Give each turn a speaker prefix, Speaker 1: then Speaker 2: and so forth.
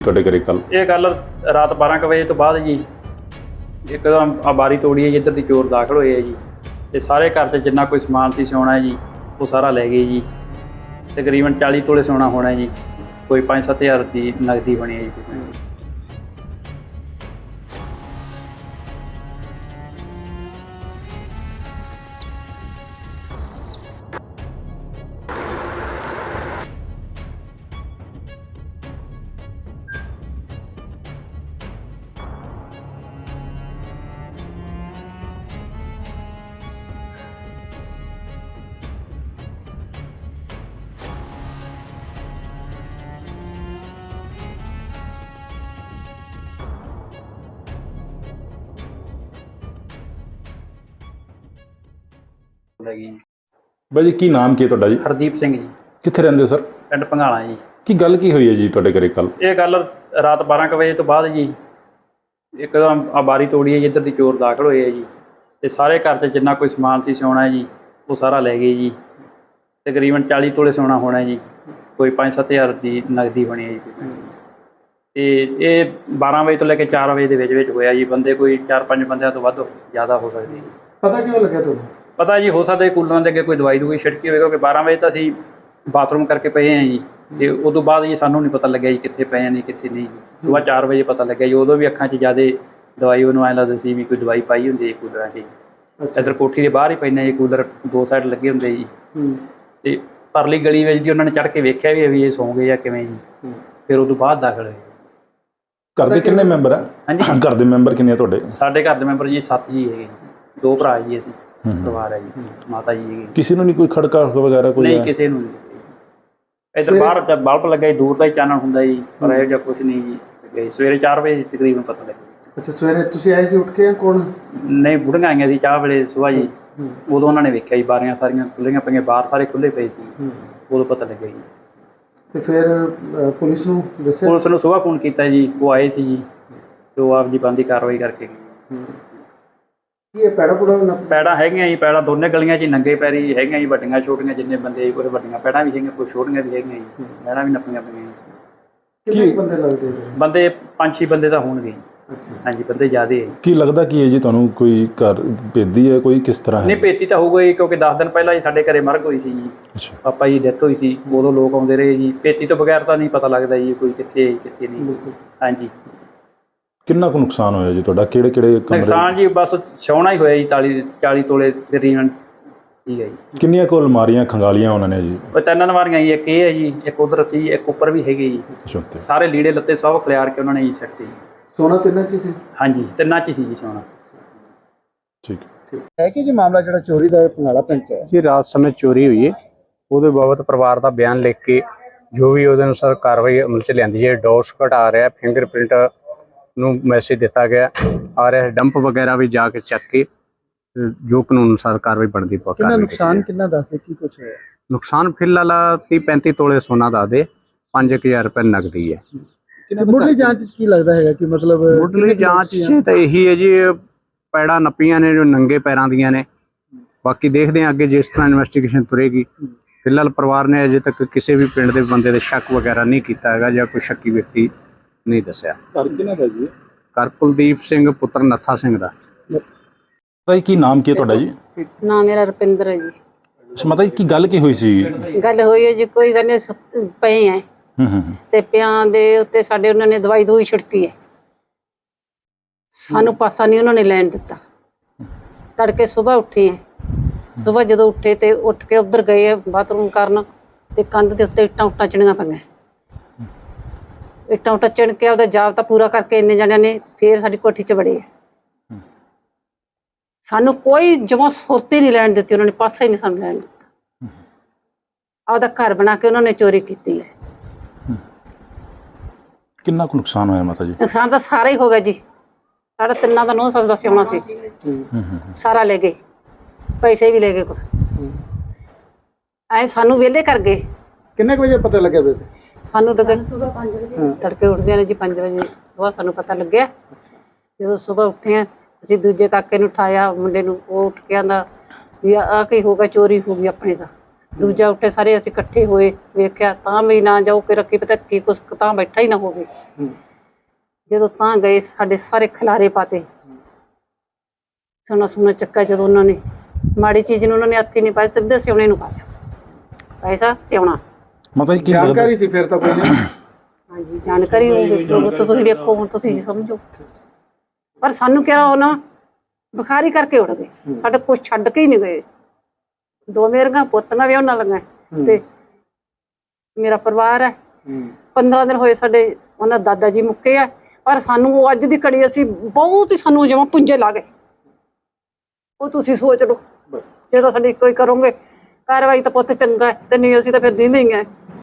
Speaker 1: ਤੁਹਾਡੇ ਘਰੇ ਕੱਲ
Speaker 2: ਇਹ ਗੱਲ ਰਾਤ 12 ਕੁ ਵਜੇ ਤੋਂ ਬਾਅਦ ਜੀ ਇੱਕਦਮ ਆ ਬਾਰੀ ਤੋੜੀ ਹੈ ਜੀ। ਇੱਧਰ ਦੀ ਚੋਰ ਦਾਖਲ ਹੋਏ ਹੈ ਜੀ ਤੇ ਸਾਰੇ ਘਰ 'ਚ ਜਿੰਨਾ ਕੋਈ ਸਮਾਨ ਸੀ ਸੋਨਾ ਜੀ ਉਹ ਸਾਰਾ ਲੈ ਗਏ ਜੀ। ਤਕਰੀਬਨ 40 ਤੋਲੇ ਸੋਨਾ ਹੋਣਾ ਜੀ, ਕੋਈ 5-7 ਹਜ਼ਾਰ ਦੀ ਨਗਦੀ ਬਣੀ ਹੈ ਜੀ।
Speaker 1: ਬਾਈ ਜੀ ਕੀ ਨਾਮ ਕੀ ਹੈ ਤੁਹਾਡਾ ਜੀ?
Speaker 2: ਹਰਦੀਪ ਸਿੰਘ ਜੀ।
Speaker 1: ਕਿੱਥੇ ਰਹਿੰਦੇ ਹੋ ਸਰ?
Speaker 2: ਪਿੰਡ ਭੰਗਾਲਾ ਜੀ।
Speaker 1: ਕੀ ਗੱਲ ਕੀ ਹੋਈ ਹੈ ਜੀ ਤੁਹਾਡੇ ਘਰੇ ਕੱਲ?
Speaker 2: ਇਹ ਗੱਲ ਰਾਤ 12 ਕੁ ਵਜੇ ਤੋਂ ਬਾਅਦ ਜੀ ਇੱਕਦਮ ਆ ਬਾਰੀ ਤੋੜੀ ਹੈ ਜੀ। ਇੱਧਰ ਦੀ ਚੋਰ ਦਾਖਲ ਹੋਏ ਹੈ ਜੀ ਤੇ ਸਾਰੇ ਘਰ 'ਚ ਜਿੰਨਾ ਕੋਈ ਸਮਾਨ ਸੀ ਸੋਨਾ ਜੀ ਉਹ ਸਾਰਾ ਲੈ ਗਏ ਜੀ। ਤਕਰੀਬਨ 40 ਤੋਲੇ ਸੋਨਾ ਹੋਣਾ ਜੀ, ਕੋਈ 5-7 ਹਜ਼ਾਰ ਦੀ ਨਗਦੀ ਬਣੀ ਹੈ ਜੀ। ਤੇ ਇਹ 12 ਵਜੇ ਤੋਂ ਲੈ ਕੇ 4 ਵਜੇ ਦੇ ਵਿੱਚ ਹੋਇਆ ਜੀ। ਬੰਦੇ ਕੋਈ 4-5 ਬੰਦਿਆਂ ਤੋਂ ਵੱਧ ਜ਼ਿਆਦਾ ਹੋ ਸਕਦੇ ਜੀ।
Speaker 3: ਪਤਾ ਕਿਉਂ ਲੱਗਿਆ ਤੁਹਾਨੂੰ?
Speaker 2: ਪਤਾ ਜੀ ਹੋ ਸਕਦਾ ਕੂਲਰਾਂ ਦੇ ਅੱਗੇ ਕੋਈ ਦਵਾਈ ਛਿੜਕੀ ਹੋਵੇ, ਕਿਉਂਕਿ 12 ਵਜੇ ਤਾਂ ਅਸੀਂ ਬਾਥਰੂਮ ਕਰਕੇ ਪਏ ਹਾਂ ਜੀ ਤੇ ਉਦੋਂ ਬਾਅਦ ਜੀ ਸਾਨੂੰ ਨਹੀਂ ਪਤਾ ਲੱਗਿਆ ਜੀ ਕਿੱਥੇ ਪਏ ਨਹੀਂ ਕਿੱਥੇ ਨਹੀਂ ਜੀ। ਸੁਬਾਹ 4 ਵਜੇ ਪਤਾ ਲੱਗਿਆ ਜੀ। ਉਦੋਂ ਵੀ ਅੱਖਾਂ 'ਚ ਜ਼ਿਆਦਾ ਦਵਾਈ ਉਹਨੂੰ ਐਂ ਲੱਗਦਾ ਸੀ ਵੀ ਕੋਈ ਦਵਾਈ ਪਾਈ ਹੁੰਦੀ ਹੈ ਕੂਲਰਾਂ 'ਚ। ਇੱਧਰ ਕੋਠੀ ਦੇ ਬਾਹਰ ਹੀ ਪੈਂਦੇ ਜੀ ਕੂਲਰ, 2 ਸਾਈਡ ਲੱਗੇ ਹੁੰਦੇ ਜੀ। ਤੇ ਪਰਲੀ ਗਲੀ ਵਿੱਚ ਜੀ ਉਹਨਾਂ ਨੇ ਚੜ੍ਹ ਕੇ ਵੇਖਿਆ ਵੀ ਇਹ ਸੌਂ ਗਏ ਜਾਂ ਕਿਵੇਂ ਜੀ। ਫਿਰ ਉਦੋਂ ਬਾਅਦ ਦਾਖਲ ਹੋਏ।
Speaker 1: ਘਰ ਦੇ ਕਿੰਨੇ ਮੈਂਬਰ ਆ?
Speaker 2: ਹਾਂਜੀ,
Speaker 1: ਘਰ ਦੇ ਮੈਂਬਰ ਕਿੰਨੇ ਆ ਤੁਹਾਡੇ?
Speaker 2: ਸਾਡੇ ਘਰ ਦੇ ਮੈਂਬਰ ਜੀ 7 ਜੀ ਹੈਗੇ ਜੀ। 2 ਭਰਾ ਜੀ ਅਸੀਂ ਪਰਿਵਾਰ ਹੈ ਜੀ। ਮਾਤਾ ਜੀ ਹੈਗੇ।
Speaker 1: ਕਿਸੇ ਨੂੰ ਨਹੀਂ ਕੋਈ ਖੜਕਾ ਵਗੈਰਾ ਕੋਈ?
Speaker 2: ਨਹੀਂ, ਕਿਸੇ ਨੂੰ ਨਹੀਂ। ਇੱਧਰ ਬਾਹਰ ਬਲਬ ਲੱਗਾ ਜੀ, ਦੂਰ ਦਾ ਹੀ ਚਾਨਣ ਹੁੰਦਾ ਜੀ, ਪਰ ਇਹੋ ਜਿਹਾ ਕੁਛ ਨਹੀਂ ਜੀ। ਸਵੇਰੇ 4 ਵਜੇ ਤਕਰੀਬਨ ਪਤਾ ਲੱਗਿਆ।
Speaker 3: ਅੱਛਾ, ਸਵੇਰੇ ਤੁਸੀਂ ਆਏ ਸੀ ਉੱਠ ਕੇ? ਕੌਣ?
Speaker 2: ਨਹੀਂ, ਬੁੜੀਆਂ ਆਈਆਂ ਸੀ ਚਾਹ ਵੇਲੇ ਸੁਬਾਹ ਜੀ। ਉਦੋਂ ਉਹਨਾਂ ਨੇ ਵੇਖਿਆ ਜੀ ਬਾਰੀਆਂ ਸਾਰੀਆਂ ਖੁੱਲ੍ਹੀਆਂ ਪਈਆਂ, ਬਾਹਰ ਸਾਰੇ ਖੁੱਲ੍ਹੇ ਪਏ ਸੀ। ਉਦੋਂ ਪਤਾ ਲੱਗਿਆ ਜੀ।
Speaker 3: ਤੇ ਫਿਰ ਪੁਲਿਸ ਨੂੰ ਦੱਸਿਆ?
Speaker 2: ਪੁਲਿਸ ਨੂੰ ਸੁਬਾਹ ਫੋਨ ਕੀਤਾ ਜੀ, ਉਹ ਆਏ ਸੀ ਜੀ ਤੇ ਉਹ ਆਪ ਜੀ ਬੰਦੀ ਕਾਰਵਾਈ ਕਰਕੇ ਗਏ।
Speaker 3: ਕੀ ਇਹ
Speaker 2: ਪੈੜਾਂ ਹੈਗੀਆਂ ਜੀ, ਪੈੜਾਂ ਦੋਨੇ ਗਲੀਆਂ 'ਚ ਨੰਗੇ ਪੈਰੀ ਹੈਗੀਆਂ ਜੀ, ਵੱਡੀਆਂ ਛੋਟੀਆਂ ਜਿੰਨੇ ਬੰਦੇ ਜੀ। ਕੁਝ ਵੱਡੀਆਂ ਪੈੜਾਂ ਵੀ ਹੈਗੀਆਂ, ਕੁਝ ਛੋਟੀਆਂ ਵੀ ਹੈਗੀਆਂ ਜੀ। ਪੈੜਾਂ ਵੀ ਨੱਪੀਆਂ ਪਈਆਂ ਜੀ।
Speaker 3: ਕਿੰਨੇ ਬੰਦੇ ਲੱਗਦੇ?
Speaker 2: ਬੰਦੇ 5-6 ਬੰਦੇ ਤਾਂ ਹੋਣਗੇ।
Speaker 3: ਅੱਛਾ,
Speaker 2: ਹਾਂਜੀ, ਬੰਦੇ ਜ਼ਿਆਦੇ ਹੈ।
Speaker 1: ਕੀ ਲੱਗਦਾ ਕੀ ਹੈ ਜੀ ਤੁਹਾਨੂੰ? ਕੋਈ ਘਰ ਭੇਦੀ ਹੈ ਕੋਈ? ਕਿਸ ਤਰ੍ਹਾਂ ਹੈ?
Speaker 2: ਨਹੀਂ, ਭੇਤੀ ਤਾਂ ਹੋਊਗਾ ਜੀ, ਕਿਉਂਕਿ 10 ਦਿਨ ਪਹਿਲਾਂ ਜੀ ਸਾਡੇ ਘਰੇ ਮਰਗ ਹੋਈ ਸੀ ਜੀ।
Speaker 1: ਅੱਛਾ,
Speaker 2: ਪਾਪਾ ਜੀ ਡੈਥ ਹੋਈ ਸੀ, ਉਦੋਂ ਲੋਕ ਆਉਂਦੇ ਰਹੇ ਜੀ। ਭੇਤੀ ਤੋਂ ਬਗੈਰ ਤਾਂ ਨਹੀਂ ਪਤਾ ਲੱਗਦਾ ਜੀ ਕੋਈ ਕਿੱਥੇ ਕਿੱਥੇ ਨਹੀਂ। ਹਾਂਜੀ।
Speaker 1: ਕਿੰਨਾ ਕੁ ਨੁਕਸਾਨ ਹੋਇਆ ਜੀ ਤੁਹਾਡਾ? ਕਿਹੜੇ ਕਮਰੇ?
Speaker 2: ਨੁਕਸਾਨ ਜੀ ਬਸ ਸੋਨਾ ਹੀ ਹੋਇਆ ਜੀ। 40 ਤੋਲੇ ਤਕਰੀਬਨ ਠੀਕ ਹੈ ਜੀ।
Speaker 1: ਕਿੰਨੀਆਂ ਕੁ ਅਲਮਾਰੀਆਂ ਖੰਗਾਲੀਆਂ ਉਹਨਾਂ ਨੇ ਜੀ?
Speaker 2: ਉਹ 3 ਅਲਮਾਰੀਆਂ ਜੀ, ਇੱਕ ਇਹ ਹੈ ਜੀ, ਇੱਕ ਉਧਰ ਸੀ, ਇੱਕ ਉੱਪਰ ਵੀ ਹੈਗੀ ਜੀ।
Speaker 1: ਅੱਛਾ,
Speaker 2: ਸਾਰੇ ਲੀੜੇ ਲੱਤੇ ਸਭ ਖਿਲਾਰ ਕੇ ਉਹਨਾਂ ਨੇ ਜੀ ਸੱਟੇ ਜੀ।
Speaker 3: ਸੋਨਾ ਤਿੰਨਾਂ 'ਚ ਸੀ?
Speaker 2: ਹਾਂਜੀ, 3 'ਚ ਸੀ ਜੀ ਸੋਨਾ।
Speaker 1: ਠੀਕ
Speaker 3: ਹੈ ਕਿ ਜੀ ਮਾਮਲਾ ਜਿਹੜਾ ਚੋਰੀ ਦਾ ਭੰਗਾਲਾ ਪਿੰਡ 'ਚ ਹੈ
Speaker 4: ਜੀ, ਰਾਤ ਸਮੇਂ ਚੋਰੀ ਹੋਈ ਹੈ। ਉਹਦੇ ਬਾਬਤ ਪਰਿਵਾਰ ਦਾ ਬਿਆਨ ਲਿਖ ਕੇ ਜੋ ਵੀ ਉਹਦੇ ਅਨੁਸਾਰ ਕਾਰਵਾਈ ਅਮਲ 'ਚ ਲਿਆਂਦੀ ਹੈ। ਡੋਸ ਘਟਾ ਰਿਹਾ, ਫਿੰਗਰਪ੍ਰਿੰਟ ਨੂੰ ਮੈਸੇਜ ਦਿੱਤਾ ਗਿਆ ਆ ਰਿਹਾ, ਡੰਪ ਵਗੈਰਾ ਵੀ ਜਾ ਕੇ ਚੱਕ ਕੇ ਜੋ ਕਾਨੂੰਨ ਅਨੁਸਾਰ ਕਾਰਵਾਈ ਬਣਦੀ ਪੱਕਾ।
Speaker 3: ਕਿੰਨਾ ਨੁਕਸਾਨ ਕਿੰਨਾ ਦੱਸਦੇ ਕੀ ਕੁਝ ਹੋਇਆ?
Speaker 4: ਨੁਕਸਾਨ ਫਿਲਹਾਲ 30-35 ਤੋਲੇ ਸੋਨਾ ਦੱਸਦੇ, 5000 ਰੁਪਏ ਨਗਦੀ ਹੈ।
Speaker 3: ਮੁੱਢਲੀ ਜਾਂਚ 'ਚ ਕੀ ਲੱਗਦਾ ਹੈਗਾ ਕਿ ਮਤਲਬ?
Speaker 4: ਮੁੱਢਲੀ ਜਾਂਚ 'ਚ ਤਾਂ ਇਹੀ ਹੈ ਜੀ, ਪੈੜਾਂ ਨੱਪੀਆਂ ਨੇ ਜੋ ਨੰਗੇ ਪੈਰਾਂ ਦੀਆਂ ਨੇ। ਬਾਕੀ ਦੇਖਦੇ ਹਾਂ ਅੱਗੇ ਜਿਸ ਤਰ੍ਹਾਂ ਇਨਵੈਸਟੀਗੇਸ਼ਨ ਤੁਰੇਗੀ। ਫਿਲਹਾਲ ਪਰਿਵਾਰ ਨੇ ਅਜੇ ਤੱਕ ਕਿਸੇ ਵੀ ਪਿੰਡ ਦੇ ਬੰਦੇ ਦੇ ਸ਼ੱਕ ਵਗੈਰਾ ਨਹੀਂ ਕੀਤਾ ਹੈਗਾ ਜਾਂ ਕੋਈ ਸ਼ੱਕੀ ਵਿਅਕਤੀ ਨਹੀਂ ਦੱਸਿਆ।
Speaker 3: ਘਰ ਕਿਹਨਾਂ ਦਾ ਜੀ?
Speaker 4: ਘਰ ਕੁਲਦੀਪ ਸਿੰਘ ਪੁੱਤਰ ਨੱਥਾ ਸਿੰਘ ਦਾ।
Speaker 1: ਮਾਤਾ ਜੀ ਕੀ ਨਾਮ ਕੀ ਹੈ ਤੁਹਾਡਾ ਜੀ?
Speaker 5: ਨਾਮ ਮੇਰਾ ਰੁਪਿੰਦਰ ਹੈ ਜੀ।
Speaker 1: ਅੱਛਾ ਮਾਤਾ ਜੀ, ਕੀ ਗੱਲ ਕੀ ਹੋਈ ਸੀ?
Speaker 5: ਗੱਲ ਹੋਈ ਹੈ ਜੀ, ਕੋਈ ਗੱਲ ਨਹੀਂ, ਪਏ ਹੈ ਤੇ ਪਿਆਂ ਦੇ ਉੱਤੇ ਸਾਡੇ ਉਹਨਾਂ ਨੇ ਦਵਾਈ ਛਿੜਕੀ ਹੈ। ਸਾਨੂੰ ਪਾਸਾ ਨਹੀਂ ਉਹਨਾਂ ਨੇ ਲੈਣ ਦਿੱਤਾ। ਤੜਕੇ ਸੁਬਾਹ ਉੱਠੇ ਹੈ। ਸੁਬਾਹ ਜਦੋਂ ਉੱਠੇ ਤੇ ਉੱਠ ਕੇ ਉੱਧਰ ਗਏ ਹੈ ਬਾਥਰੂਮ ਕਰਨ, ਤੇ ਕੰਧ ਦੇ ਉੱਤੇ ਇੱਟਾਂ ਚਿਣੀਆਂ ਪਈਆਂ। ਇੱਟਾਂ ਚਿਣ ਕੇ ਉਹਦਾ ਜਾਬਤਾ ਪੂਰਾ ਕਰਕੇ ਇੰਨੇ ਜਣਿਆਂ ਨੇ ਫੇਰ ਸਾਡੀ ਕੋਠੀ 'ਚ ਵੜੇ ਹੈ। ਸਾਨੂੰ ਕੋਈ ਜਮਾਂ ਸੁਰਤੀ ਨਹੀਂ ਲੈਣ ਦਿੱਤੀ ਉਹਨਾਂ ਨੇ, ਪਾਸਾ ਹੀ ਨਹੀਂ ਸਾਨੂੰ ਲੈਣ ਦਿੱਤਾ। ਆਪਦਾ ਘਰ ਬਣਾ ਕੇ ਉਹਨਾਂ ਨੇ ਚੋਰੀ ਕੀਤੀ ਹੈ।
Speaker 1: ਕਿੰਨਾ ਕੁ ਨੁਕਸਾਨ ਹੋਇਆ ਮਾਤਾ ਜੀ?
Speaker 5: ਨੁਕਸਾਨ ਤਾਂ ਸਾਰਾ ਹੀ ਹੋ ਗਿਆ ਜੀ। ਸਾਡਾ ਤਿੰਨਾਂ ਦਾ 9 ਸਾਲ ਦਾ ਸਿਆਉਣਾ ਸੀ, ਸਾਰਾ ਲੈ ਗਏ, ਪੈਸੇ ਵੀ ਲੈ ਗਏ ਕੁਛ। ਐ ਸਾਨੂੰ ਵਿਹਲੇ ਕਰ ਗਏ।
Speaker 3: ਕਿੰਨੇ ਵਜੇ ਪਤਾ ਲੱਗਿਆ ਬੇਬੇ?
Speaker 5: ਸਾਨੂੰ ਲੱਗੇ ਤੜਕੇ ਉੱਠਦੇ ਨੇ ਜੀ 5 ਵਜੇ ਸੁਬਾਹ ਸਾਨੂੰ ਪਤਾ ਲੱਗਿਆ। ਜਦੋਂ ਸੁਬਾਹ ਉੱਠੇ ਆ ਅਸੀਂ ਦੂਜੇ ਕਾਕੇ ਨੂੰ ਉਠਾਇਆ, ਮੁੰਡੇ ਨੂੰ, ਉਹ ਉੱਠ ਕੇ ਆਂਦਾ ਵੀ ਆਹ ਕੀ ਹੋ ਗਿਆ, ਚੋਰੀ ਹੋ ਗਈ ਆਪਣੇ ਦਾ। ਦੂਜਾ ਉੱਠੇ ਸਾਰੇ ਅਸੀਂ ਇਕੱਠੇ ਹੋਏ, ਵੇਖਿਆ ਤਾਂ ਵੀ ਨਾ ਜਾਓ ਕਿ ਰੱਖੀ ਪਤਾ ਕੀ ਕੁਛ ਤਾਂ ਬੈਠਾ ਹੀ ਨਾ ਹੋਵੇ। ਜਦੋਂ ਤਾਂ ਗਏ ਸਾਡੇ ਸਾਰੇ ਖਿਲਾਰੇ ਪਾਤੇ, ਸੋਨਾ ਚੱਕਾ। ਜਦੋਂ ਉਹਨਾਂ ਨੇ ਮਾੜੀ ਚੀਜ਼ ਨੂੰ ਉਹਨਾਂ ਨੇ ਹੱਥ ਹੀ ਨਹੀਂ ਪਾਇਆ, ਸਿੱਧੇ ਸਿਉਣੇ ਨੂੰ ਪਾਇਆ, ਪੈਸਾ ਸਿਉਣਾ।
Speaker 1: ਮਤਲਬ ਕੀ ਲੱਗਦਾ
Speaker 3: ਜਾਣਕਾਰੀ ਸੀ ਫਿਰ ਤਾਂ ਕੋਈ ਨਹੀਂ।
Speaker 5: ਹਾਂਜੀ ਜਾਣਕਾਰੀ ਹੋਊਗੀ, ਤੁਸੀਂ ਵੇਖੋ ਹੁਣ, ਤੁਸੀਂ ਸਮਝੋ। ਪਰ ਸਾਨੂੰ ਕਿਹਾ ਉਹ ਨਾ ਬੁਖਾਰੀ ਕਰਕੇ ਉੱਡ ਗਏ, ਸਾਡੇ ਕੁਛ ਛੱਡ ਕੇ ਹੀ ਨਹੀਂ ਗਏ। 2 ਮੇਰੀਆਂ ਪੁੱਤਾਂ ਵੀ ਉਹਨਾਂ ਲੰਗਾ ਤੇ ਮੇਰਾ ਪਰਿਵਾਰ ਹੈ। 15 ਦਿਨ ਹੋਏ ਸਾਡੇ ਉਹਨਾਂ ਦਾਦਾ ਜੀ ਮੁੱਕੇ ਆ, ਪਰ ਸਾਨੂੰ ਉਹ ਅੱਜ ਦੀ ਘੜੀ ਅਸੀਂ ਬਹੁਤ ਹੀ ਸਾਨੂੰ ਜਿਵੇਂ ਪੁੰਜੇ ਲਾ ਗਏ। ਉਹ ਤੁਸੀਂ ਸੋਚ ਲਓ, ਜੇ ਤਾਂ ਸਾਡੀ ਕੋਈ ਕਰੋਗੇ ਕਾਰਵਾਈ ਤਾਂ ਪੁੱਤ ਚੰਗਾ ਹੈ, ਤੇ ਨਹੀਂ ਅਸੀਂ ਤਾਂ ਫਿਰ ਦਿੰਦੇ ਹੀ ਆ।